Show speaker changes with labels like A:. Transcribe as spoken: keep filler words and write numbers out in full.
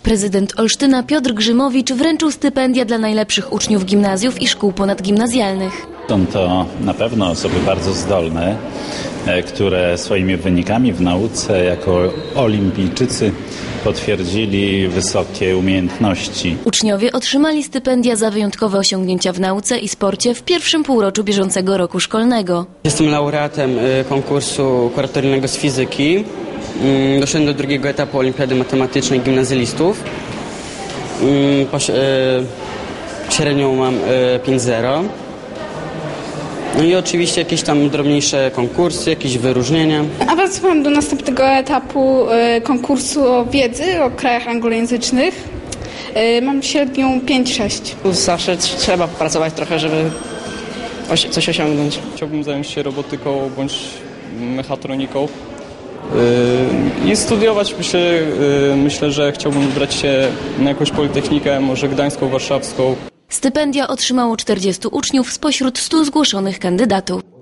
A: Prezydent Olsztyna Piotr Grzymowicz wręczył stypendia dla najlepszych uczniów gimnazjów i szkół ponadgimnazjalnych.
B: Są to na pewno osoby bardzo zdolne, które swoimi wynikami w nauce jako olimpijczycy potwierdzili wysokie umiejętności.
A: Uczniowie otrzymali stypendia za wyjątkowe osiągnięcia w nauce i sporcie w pierwszym półroczu bieżącego roku szkolnego.
C: Jestem laureatem konkursu kuratoryjnego z fizyki. Doszedłem do drugiego etapu olimpiady matematycznej gimnazjalistów. Średnią mam pięć zero. No i oczywiście jakieś tam drobniejsze konkursy, jakieś wyróżnienia.
D: Awansowałam do następnego etapu konkursu o wiedzy o krajach anglojęzycznych. Mam średnią pięć sześć.
E: Zawsze trzeba pracować trochę, żeby coś osiągnąć.
F: Chciałbym zająć się robotyką bądź mechatroniką i studiować. Myślę, myślę, że chciałbym wybrać się na jakąś politechnikę, może gdańską, warszawską.
A: Stypendia otrzymało czterdziestu uczniów spośród stu zgłoszonych kandydatów.